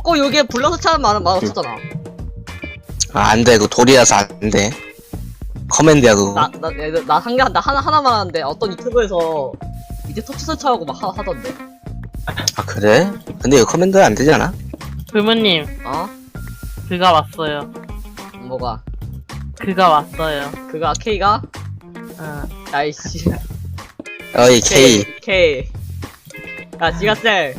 꼭 여기에 불러서 차는 말은 없었잖아. 아, 안 돼. 그거 돌이라서 안 돼. 커맨드야, 그거. 나 하나만 하는데 어떤 유튜브에서 이제 터치 설치하고 막 하던데. 아, 그래? 근데 이거 커맨드 안 되지 않아? 부모님, 어? 그가 왔어요. 뭐가? 그가 왔어요. 그가 K가? 어. 아이씨. 어이, K. K. 야, 지가셀.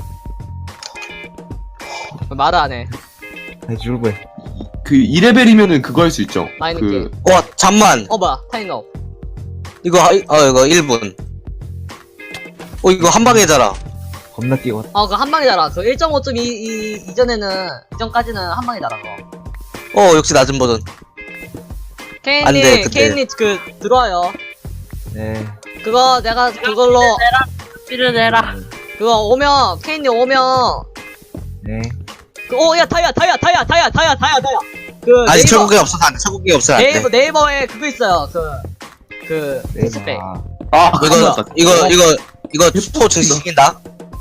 말을 안 해. 아니 줄배. 그 2레벨이면은 그거 할 수 있죠. 마이너 그 게임. 잠만. 뭐야? 타임업. 이거 1분. 이거 한 방에 자라. 겁나 뛰어. 그 한 방이잖아. 그 1.5점 이전까지는 한 방이잖아, 그거. 역시 낮은 버전. 안 돼, 케인님, 그때. 케인님, 들어와요. 네. 그거, 내가 그걸로, 피를 내라. 그거 오면, 케인님 오면, 네. 야, 다이아. 그, 아직 네이버, 철국이 없어서 안 돼. 철국이 없어서 안 돼. 네이버에 그거 있어요. 패스백. 네. 이거 스토어 증식시킨다.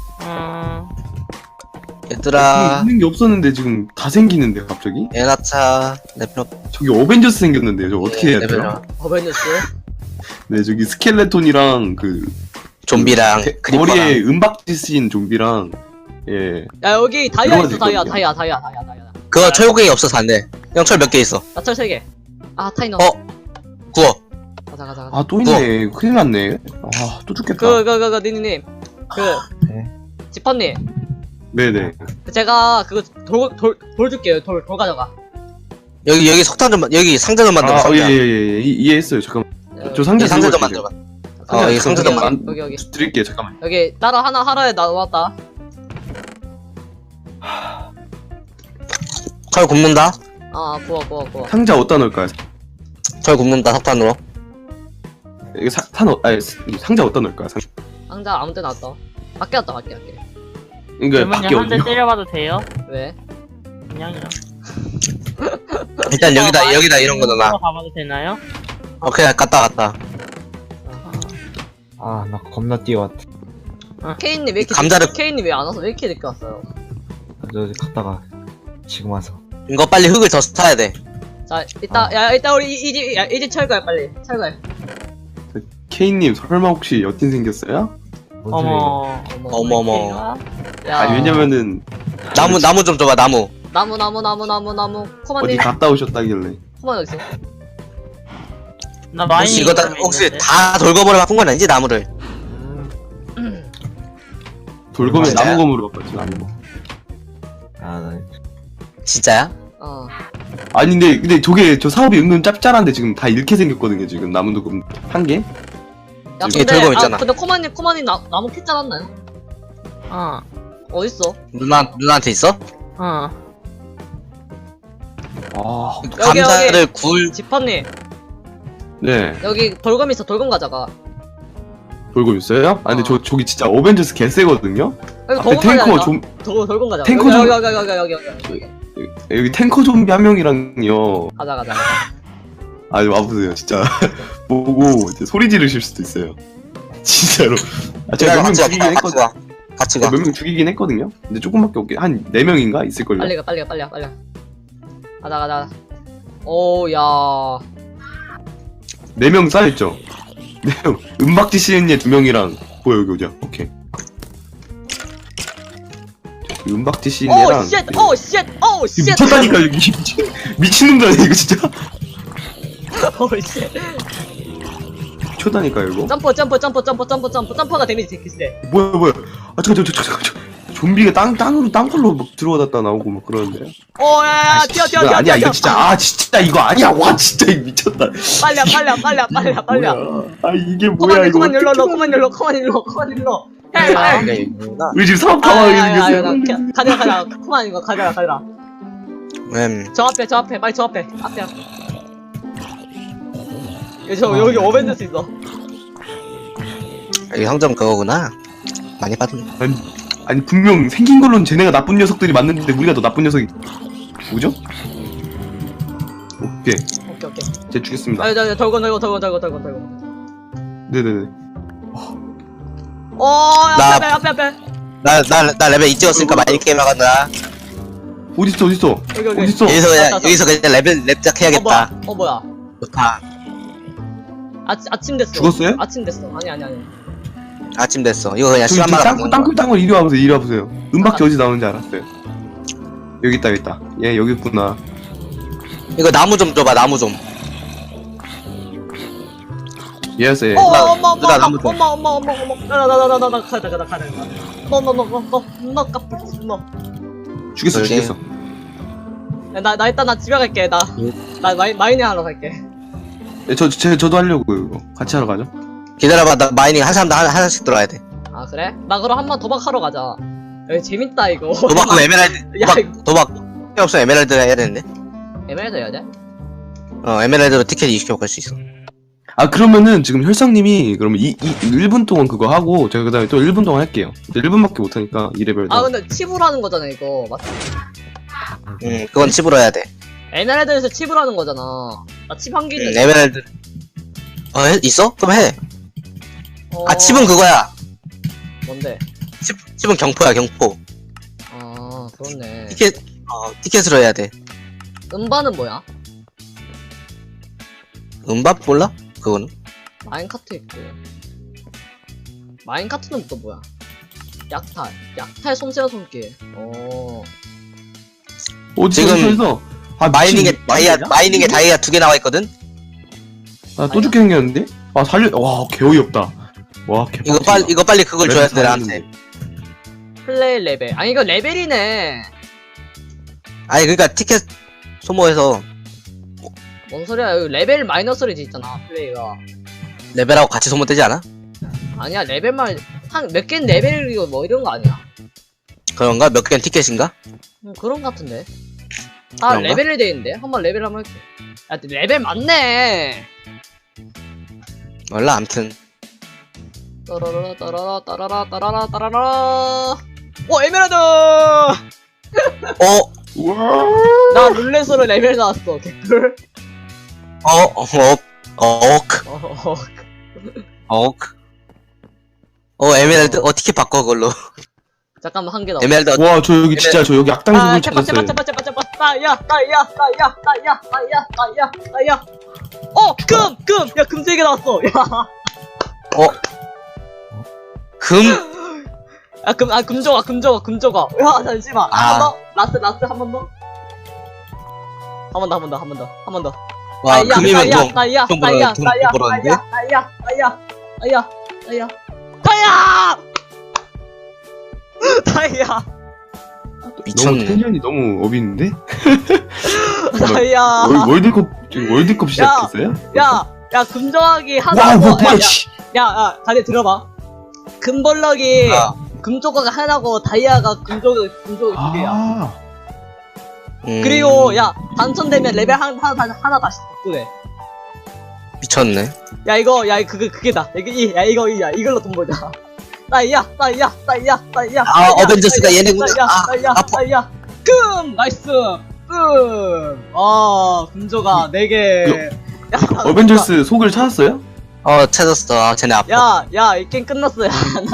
얘들아. 있는 게 없었는데 지금 다 생기는데 갑자기? 에나차 레벨업. 저기 어벤져스 생겼는데요. 저 어떻게 해야 돼요? 레벨업. 어벤져스? 네, 저기 스켈레톤이랑 그 좀비랑 머리에 크리퍼랑. 은박지 쓰인 좀비랑 예. 야, 여기 다이아 있어, 들어가야 다이아. 되거든요. 그거 철국이 없어서 안 돼. 형 철 몇 개 있어? 나철 3개. 타이너. 구워. 가자. 아, 또 있네. 큰일 났네. 아, 또 죽겠다. 니님. 네. 지퍼님. 네네. 제가 그거 돌 줄게요. 돌 가져가. 여기 석탄 좀 여기 상자 좀 만들어. 아, 상자. 예. 이해했어요. 잠깐만. 저 상자 여기 상자 좀 들고 만들어. 상자 여기 상자 좀 잠깐만. 만들어. 여기. 드릴게요. 잠깐만. 여기 따라 하나 하러에 나왔다. 철 굽는다. 구워. 상자 어디다 넣을까요? 철 굽는다 석탄으로. 이게 상자 어디다 넣을까요? 상자 아무 데나 놨다. 밖에 놨다, 밖에. 이거 밖에 부모님 한 대 어디요? 때려봐도 돼요? 왜? 그냥요. 일단 여기다 이런 거 넣어놔. 가봐도 되나요? 오케이 갔다. 아 나 겁나 뛰어. 케인님 왜 이렇게 케인님 왜 안 와서 왜 이렇게 늦게 왔어요? 저 갔다가 지금 와서. 이거 빨리 흙을 더 사야 돼. 자, 일단 우리 이집 철거해, 빨리. 철거해. 케이님 설마 혹시 여친 생겼어요? 뭔 소리예요? 어머머. 야, 아니 왜냐면은 나무 좀 줘봐 나무. 나무. 어디 코만님, 갔다 오셨다길래. 코만 어딨어? 나 많이. 혹시 이거 다 돌거머리 바꾼 건 아니지 나무를? 돌검에 진짜야? 나무검으로 바꿨지 나무검. 나 진짜야? 아니 근데 저게 저 사업이 은근 짭짤한데 지금 다 이렇게 생겼거든요 지금 나무도금 한 개? 야, 이게 돌검 있잖아. 근데 코만님 나무 캤지 않았나요? 어딨어? 누나한테 있어? 아 여기. 감자를 굴. 지퍼님, 네. 여기 돌검 있어, 돌검 가져가. 돌검 있어요? 아 근데 저기 진짜 어벤져스 개쎄거든요? 여기 앞에 돌검 가져가. 탱커 돌검 가져가. 탱커 좀- 여기. 여기 탱커 좀비 한 명이랑요. 가자. 아니 와보세요 진짜 보고 이제 소리 지르실 수도 있어요. 진짜로. 제가 몇 명 죽이긴 했거든요. 같이 가. 몇 명 죽이긴 했거든요. 근데 조금밖에 없긴 한 4명인가 있을걸요. 빨리 가. 가자. 오, 야. 4명 쌓여있죠? 4명. 은박지 씨는 얘 2명이랑 보여 여기 어디야? 오케이. 은박지 씨는 얘랑 오, 쉣. 미쳤다니까 여기 미친놈들 아니야 이거 진짜? 오, 쉣. 미쳤다니까 이거? 점퍼가 데미지 되게 세. 뭐야 아 잠깐 좀비가 땅굴로 막 들어갔다 나오고 막 그러는데. 오, 야, 뛰어. 아니야 이거 진짜 이거 아니야. 와 진짜 이거 미쳤다. 빨리. 아 이게 뭐야 이거. 코만 일로. 우리 지금 사업 당황하게 생겼어요. 가자. 코만 이거 가자. 저 앞에, 빨리 저 앞에. 앞에. 여기 어벤져스 있어. 여기 상점 그거구나. 많이 받은. 아니 분명 생긴 걸로는 쟤네가 나쁜 녀석들이 맞는데 우리가 더 나쁜 녀석이 뭐죠? 오케이 제 죽였습니다. 저 돌건. 네네네. 오, 나- 앞에. 나 레벨 2 찍었으니까 많이 게임 나간다. 어딨어 어딨어 여기 여기. 어딨어 여기서 그냥 왔다, 여기서 그냥 레벨 랩작 해야겠다. 뭐야? 좋다. 아침 됐어. 죽었어요? 아침 됐어. 아니. 아침 됐어. 이거 그냥 저기 시간 많아. 땅굴 이리 와보세요 이리 와보세요. 은박지 어디 나오는지 알았어요. 여기 있다 얘 여기 있구나. 이거 나무 좀 줘봐. 나무 좀. 얘였어요 얘. 엄마 누나, 나무 좀. 나 가자. 너 까불지 너. 죽였어 그러게. 죽였어. 나 일단 나 집에 갈게. 나 마이닝 하러 갈게. 예, 저도 하려고요 이거. 같이 하러 가죠. 기다려봐. 나 마이닝 한 사람당 하나씩 들어야 돼. 아 그래? 나 그럼 한번 도박하러 가자. 여기 재밌다 이거. 도박은 에메랄드. 야, 이거- 도박. 필요 없어. 에메랄드 해야 되는데. 에메랄드 해야 돼? 에메랄드로 티켓 20개 먹을 수 있어. 아 그러면은 지금 혈성님이 그러면 1분 동안 그거 하고 제가 그 다음에 또 1분 동안 할게요. 1분밖에 못하니까 2레벨. 아 근데 칩으로 하는 거잖아 이거. 맞지? 그건 칩으로 해야 돼. 에메랄드에서 칩으로 하는 거잖아. 나 칩 한 개 있는데. 에메랄드. 있어? 그럼 해. 어, 칩은 그거야. 뭔데? 칩은 경포야, 경포. 아 그렇네. 티켓으로 해야 돼. 음반은 뭐야? 음밥 몰라? 그거는? 마인카트 있고. 마인카트는 또 뭐야? 약탈 솜씨와 손길. 지금 지금 마이닝에 마이닝에 다이아 2개 나와 있거든? 아또 죽게 생겼는데? 아 살려. 와 개어이 없다. 와 개. 이거 빨리 그걸 줘야 돼, 나한테. 플레이 레벨. 아니 이거 레벨이네. 아니, 그니까 티켓 소모해서 뭔 소리야? 여기 레벨 마이너스로 돼 있잖아. 플레이가. 레벨하고 같이 소모되지 않아? 아니야 레벨만 한 몇 개는 레벨이고 뭐 이런 거 아니야? 그런가? 몇 개는 티켓인가? 그런 거 같은데. 아 그런가? 레벨이 돼 있는데. 한번 레벨 한번 할게. 야 레벨 맞네. 몰라, 암튼. 따라라. 오 에메랄드! 우와. 나 룰렛으로 레벨 나왔어. 개꿀. 에메랄드? 티켓 바꿔, 그걸로. 잠깐만 한 개 더. 에메랄드, 와 저 여기 진짜 저 여기 악당 아, 구글 찾았어요. 제발. 나야. 금! 야, 금 3개 나왔어. 야. 금? 야, 금 줘가. 야, 잠시만. 한 번 더. 라스 한 번 더. 한 번 더. 와, 금이면 좀 나야. 벌었는데? 다이아. 너무 미쳤네. 텐션이 너무 업있는데? 다이아. 월드컵 시작했어요? 야, 금정하기 와 하나. 뭐야 씨. 야, 다들 들어봐. 금벌럭이 아. 금조각 하나고 다이아가 금조각 2개야. 아. 그리고 야 당첨되면 레벨 하나 다시 덕분에. 미쳤네. 야 이거 그게다. 이걸로 돈 벌자. 따이야. 어벤져스가 얘네구나. 따이야. 금 나이스. 금. 금조가 4개. 어벤져스 속을 찾았어요? 찾았어. 쟤네 아파. 야, 이 게임 끝났어. 야,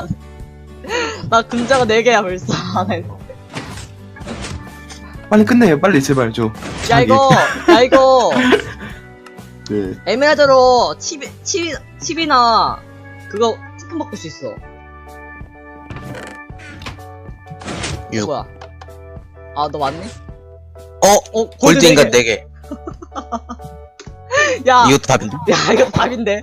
나 금자가 4개야 벌써. 빨리 끝내요 빨리 제발 좀. 야 이거 네. 에메랄드로 칩이나 그거 쿠폰 바꿀 수 있어. 6. 뭐야? 아, 너 맞네? 골드인가 네 4개. 야, 이것도 답인데? 야, 이거 답인데?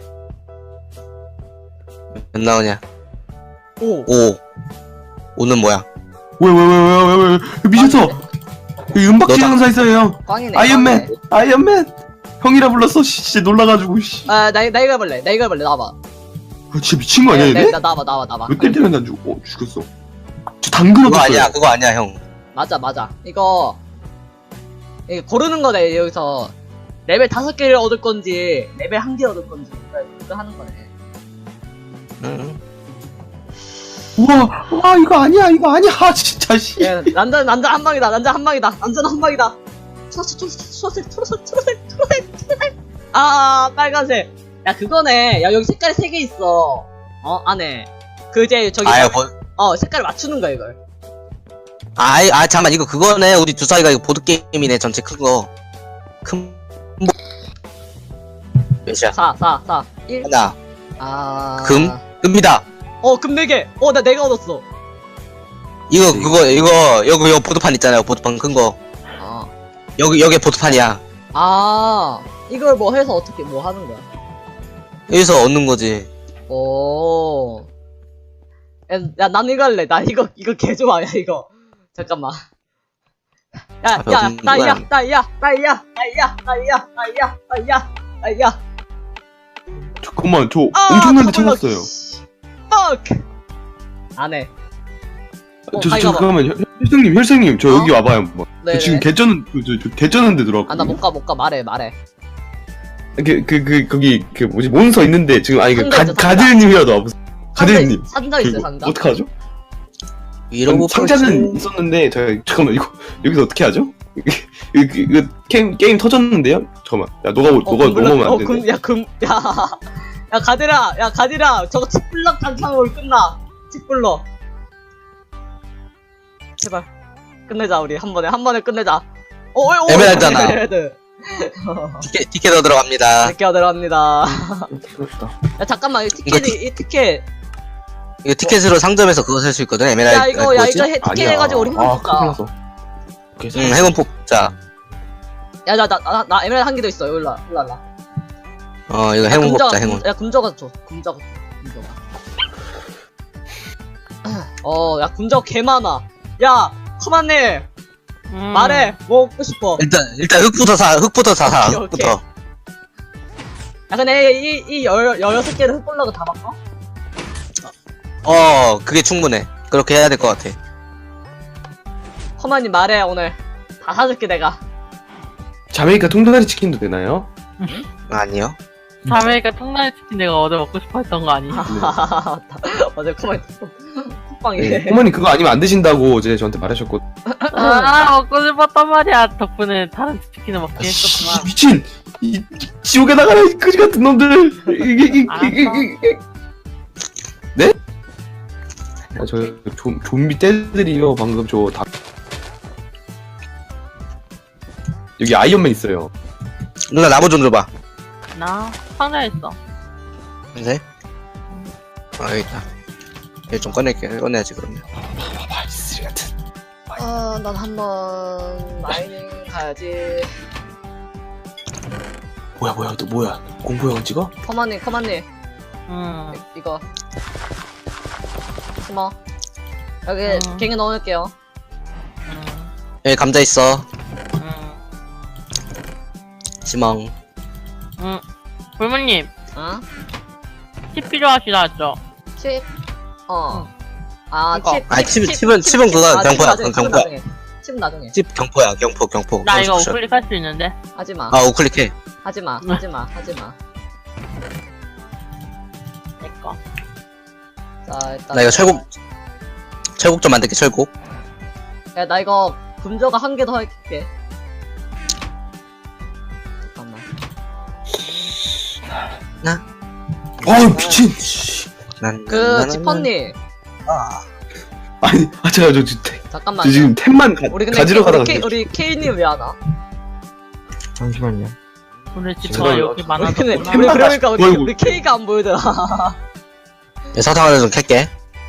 몇 나오냐? 5. 5는 뭐야? 왜 미쳤어. 여기 은박지 너다. 장사 있어요 형. 꽝이네. 아이언맨 형이라 불렀어. 진짜 놀라가지고 씨. 나 이거 해볼래. 나와봐. 아, 진짜 미친 거 아니야 얘네? 나와봐. 몇 대 때렸나 안 죽어. 죽였어. 저 당근 그거 얻었어요. 아니야. 그거 아니야, 형. 맞아. 이거 고르는 거네, 여기서. 레벨 5개를 얻을 건지, 레벨 1개 얻을 건지, 그거 하는 거네. 응. 우와 이거 아니야 진짜 씨. 야, 난전 한 방이다. 초록색. 아, 빨간색. 야, 그거네. 야, 여기 색깔이 3개 있어. 안에. 그, 이제, 저기. 아야, 색깔을 맞추는 거야, 이걸. 잠깐만, 이거 그거네. 우리 주사위가 이거 보드게임이네, 전체 큰 거. 몇이야? 4 1 하나, 아 금이다. 금 4개 내가 얻었어 이거, 여기 보드판 있잖아요, 보드판 큰 거. 여기 보드판이야. 이걸 뭐 해서 어떻게 뭐 하는 거야 여기서 얻는 거지. 오 야, 난 이거 할래. 나 이거 개 좋아, 야, 이거. 잠깐만. 야, 따이야. 잠깐만 저 엄청난데 찾았어요. fuck! 안 해. 잠깐만 혈생님 저 여기 와봐요 한번. 네. 저 지금 저 개쩌는 데 들어왔거든요. 나 못 가. 말해. 거기 뭐지 몬스터 있는데 지금 상자 있어, 상자. 가드님이라도 와보세요. 가드님 상자 있어요, 상자. 어떡하죠? 이러고 상자는 있었는데 잠깐만 이거 여기서 어떻게 하죠? 이거 게임 터졌는데요? 잠깐만 야 너가 넘어오면 안 되네. 야, 가디라. 저거 칙블럭 단창으로 끝나. 칙블럭. 제발. 끝내자, 우리. 한 번에 끝내자. 에메랄드잖아. 에메랄드. 티켓으로 들어갑니다. 이렇게 들어갑니다. 부럽다. 야, 잠깐만, 이 티켓. 이거 티켓으로 상점에서 그거 살 수 있거든, 에메랄드. 야, 이거 티켓 아니야. 해가지고 우리 행운 큰일 뽑자. 났어. 오케이, 행운 뽑자. 야, 나 에메랄드 한 개 더 있어. 여기 올라. 이거 행운 뽑자, 행운. 야, 금저가 줘. 금저가. 야, 금저 개 많아. 야, 커만님. 말해. 뭐 먹고 싶어. 일단 흙부터 사, 오케이. 흙부터. 야, 근데 이 16개를 흙볼라고 다 바꿔? 그게 충분해. 그렇게 해야 될 것 같아. 커만님 말해, 오늘. 다 사줄게, 내가. 자메이카 통다리 치킨도 되나요? 아니요. 자메이카 통나무 치킨 내가 어제 먹고 싶어 했던 거 아니야? 어제 커만님 콧방에. 네. 꼬마님 그거 아니면 안 드신다고 어제 저한테 말하셨고. 먹고 싶었단 말이야. 덕분에 다른 치킨을 먹긴 했었구만. 미친 이 지옥에 나가라 이 그지 같은 놈들. 네? 저 좀비 떼들이요 방금 저 다. 여기 아이언맨 있어요. 누나 나무 좀 줘봐. 나 상자에 있어. 네? 여기 있다. 얘 좀 꺼내야지, 그러면. 봐봐 이 쓰레기 같은. 난 한번 마이닝 가야지. 뭐야 너 뭐야 공포 영화 찍어? 커만님. 응. 이거. 숨어. 여기 갱에 넣어놓을게요. 여기 감자 있어. 지멍. 불무님, 응? 칩 필요하시다 했죠? 칩? 칩은 그거 경포야, 그건 경포야. 칩 나중에. 칩 경포야, 경포. 나 이거 콘스트럭션. 우클릭 할 수 있는데? 하지마. 우클릭해. 하지마. 내꺼. 자, 일단. 나 이거 철곡 좀 만들게, 철곡. 야, 나 이거 금저가 한 개 더 할게. 잠깐만. 미친. 지퍼님. 아니 제가 저 잠깐만. 지금 템만 우리 근데 가지러 가다가 우리 K님 왜 안 와? 잠시만요. 오늘 지퍼가 여기 우리 많아졌구나. 그러니까 어이구. 우리 K가 안 보이더라. 사탕 하나 좀 캘게.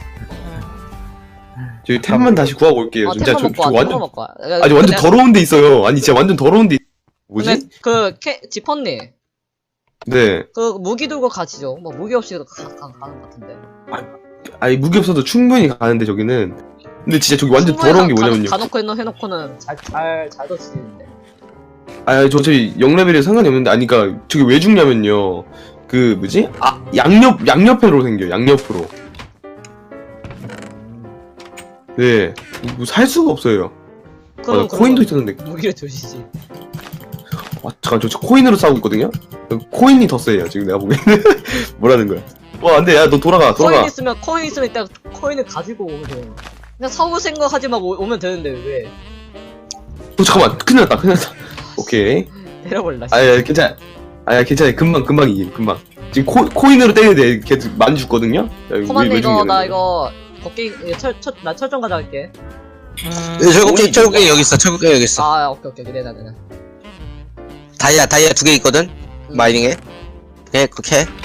저희 템만 다시 구하고 올게요. 진짜 템만 저 먹고 와. 완전 먹고 와. 아니 완전 더러운 데 있어요. 아니 진짜 완전 더러운 데 뭐지? 근데 지퍼님. 네. 그 무기 들고 가시죠. 뭐 무기 없이도 가는 것 같은데. 아니 무기 없어도 충분히 가는데 저기는. 근데 진짜 저기 완전 충분히 더러운 게 뭐냐면요. 가놓고 해놓고는 잘 던지는데. 아니 저희 0레벨에 상관이 없는데 아니 그니까 저기 왜 죽냐면요. 그 뭐지? 양옆으로 생겨요. 양옆으로. 네. 이거 살 수가 없어요. 그럼 코인도 있었는데. 무기를 두시지. 잠깐 저 코인으로 싸우고 있거든요? 코인이 더 세요 지금 내가 보기에는. 뭐라는 거야. 안돼 야 너 돌아가. 코인 있으면 이따 코인을 가지고 오면 돼요. 그냥 사올 생각하지 말고 오면 되는데 왜? 잠깐만 큰일 났다. 오케이. 때려볼라. 괜찮아. 괜찮아. 금방 이김 금방. 지금 코인으로 때리는데 걔 많이 죽거든요? 코만데 나 이거 걷기 철좀 가져갈게. 철국갱이 여기 있어. 철국갱이 여기 있어. 아 오케이 내놔. 다이아 2개 있거든. 마이닝에. 예, 그렇게 해.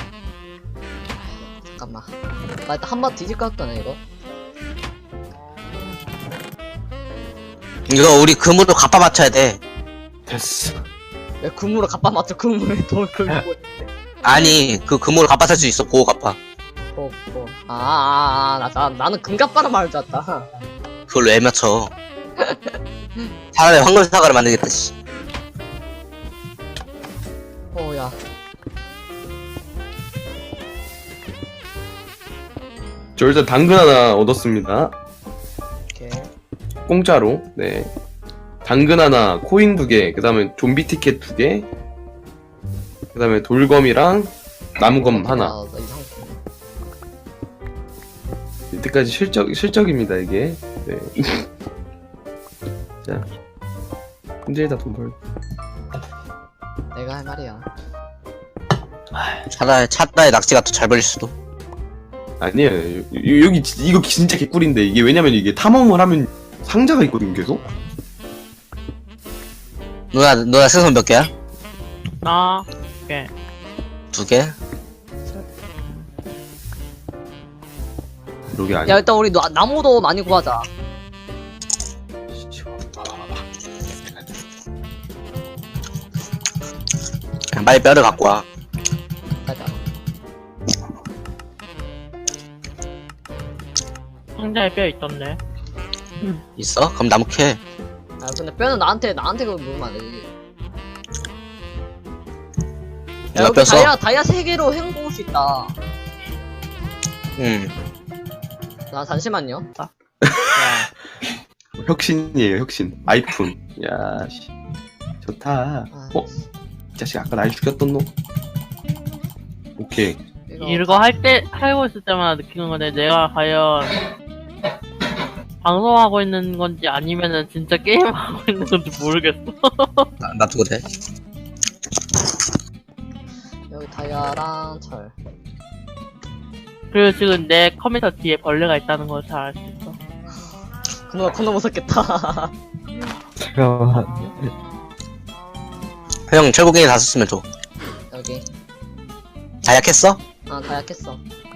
잠깐만. 나 일단 한 번 뒤질 것 같네 이거. 이거 우리 금으로 갚아 맞춰야 돼. 됐어. 왜 금으로 갚아 맞춰? 금으로 돈을 긁고 있는데. 아니, 그 금으로 갚아 살 수 있어. 보호 갚아. 나는 금갑바라 말을 줄 알았다. 그걸 왜 맞춰? 차라리 황금 사과를 만들겠다, 씨. 야. 저 일단 당근 하나 얻었습니다. 오케이. 공짜로. 네. 당근 하나, 코인 2개, 그 다음에 좀비 티켓 2개, 그 다음에 돌검이랑 나무검 하나. 나 이상한 이때까지 실적입니다, 이게. 네. 자. 문제에다 돈 벌. 내가 할 말이야. 차라리 낙지가 더 잘 벌릴 수도. 아니에요. 여기 이거 진짜 개꿀인데 이게 왜냐면 이게 탐험을 하면 상자가 있거든 계속. 누나 생선 몇 개야? 나 2개? 여기 아니야. 야 일단 우리 나무도 많이 구하자. 그냥 빨리 뼈를 갖고 와. 가자. 상자에 뼈 있던데. 있어? 그럼 나무 캐. 아 근데 뼈는 나한테 그거 물으면 안 되지. 야 누가 여기 뼈 써? 다이아 3개로 헹궈올 수 있다. 응. 자 잠시만요. 자. 혁신이에요, 혁신. 아이폰. 야, 씨. 좋다. 아, 이 자식 아까 날 죽였던 놈. 오케이. 이거 하고 있을 때마다 느끼는 건데, 내가 과연 방송하고 있는 건지 아니면은 진짜 게임하고 있는 건지 모르겠어. 놔두고 돼. 여기 다이아랑 철. 그리고 지금 내 컴퓨터 뒤에 벌레가 있다는 걸 잘 알 수 있어. 그놈아 겁나 무섭겠다. 잠깐만. 형, 철국갱이 다 썼으면 줘. 여기. 다 약했어? 아 다이아 캤어.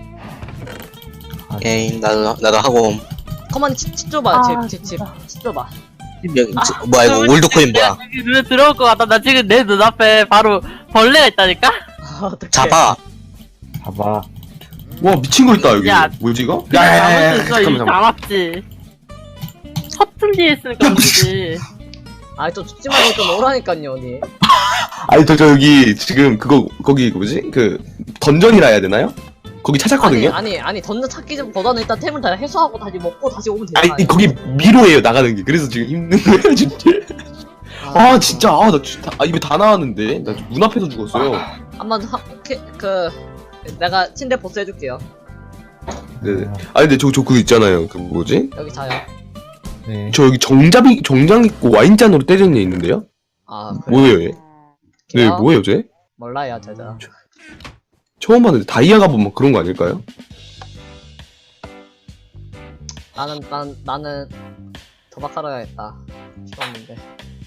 에이, 나도 하고. 커먼이 칩 줘봐. 아, 칩 진짜. 줘봐. 뭐야, 이거 올드코인 뭐야? 지금 눈에 들어올 것 같다. 나 지금 내 눈앞에 바로 벌레가 있다니까? 어떡해. 잡아. 봐봐. 와, 미친 거 있다, 여기. 야. 뭐지, 이거? 잘못 있어. 이거 잠깐만. 남았지. 서툴 뒤에 있으니까 문제지. 아좀 죽지 말고 좀 오라니깐요 언니. 아니, 저 여기 지금 거기 뭐지? 그, 던전이라 해야 되나요? 거기 찾았거든요? 아니 던전 찾기 전보다는 일단 템을 다 해소하고 다시 먹고 다시 오면 되잖아. 아니, 거기 미로예요, 나가는 게. 그래서 지금 힘든 거예요, 진짜. 아, 진짜. 나 진짜. 입에 다 나왔는데. 나 문 앞에서 죽었어요. 한번 내가 침대 보스 해줄게요. 네네. 아니, 근데 저 그거 있잖아요. 그 뭐지? 여기 자요. 네. 저 여기 정장 입고 와인잔으로 때리는 애 있는데요? 아 그래. 뭐예요, 얘? 네, 걔요? 뭐예요, 쟤? 몰라요 제가. 처음 봤는데 다이아가 뭐 그런 거 아닐까요? 나는 도박하러 가야겠다. 죽었는데.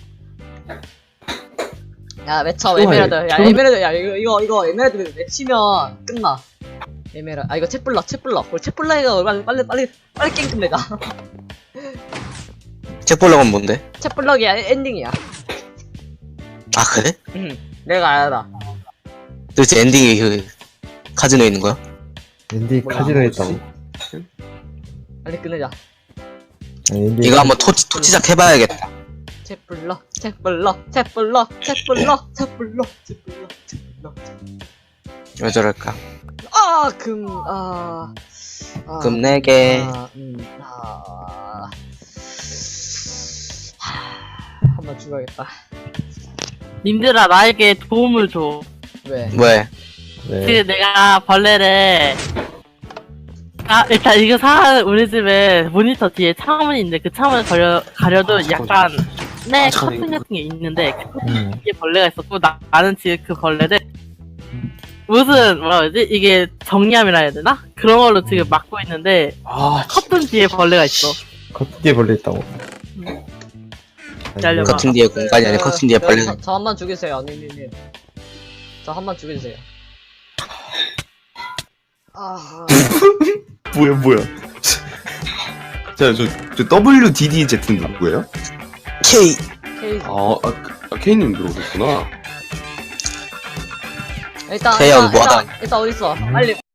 야 외쳐 에메랄드. 야 에메랄드. 야 이거 에메랄드 외치면 끝나. 에메랄드. 아 이거 채플러. 우리 채플러가 빨리 게임 끝내자. 책볼락은 뭔데? 채플러기 엔딩이야. 아, 그래? 응. 내가 알아. 도대체 엔딩이 그, 카지노에 있는 거야? 앤디 몰라. 카지노 했다고. 빨리 끝내자. 앤디 이거 한번 토치작 해봐야겠다. 채플러. 왜 저럴까? 금 4개. 한번 죽어야겠다. 님들아, 나에게 도움을 줘. 왜? 왜? 네. 지금 내가 벌레를 일단 이거 우리 집에 모니터 뒤에 창문이 있는데 그 창문을 가려도 약간 커튼 같은 게 있는데 그 커튼 뒤에 벌레가 있었고 나는 지금 그 벌레를 무슨 뭐라 그러지? 이게 정리함이라 해야 되나? 그런 걸로 지금 막고 있는데 아, 커튼 뒤에 벌레가 있어. 겉에 벌레 있다고. 기다려봐. 커튼 뒤에 공간이 아니라 커튼 뒤에 벌레. 저 한 번 죽이세요, 니니님. 저 한 번 죽여주세요. 아, 뭐야. 자, 저 WDDZ는 누구예요? K. 케이지. K님 들어오셨구나. 일단 태양 뭐하다. 일단 어딨어? 빨리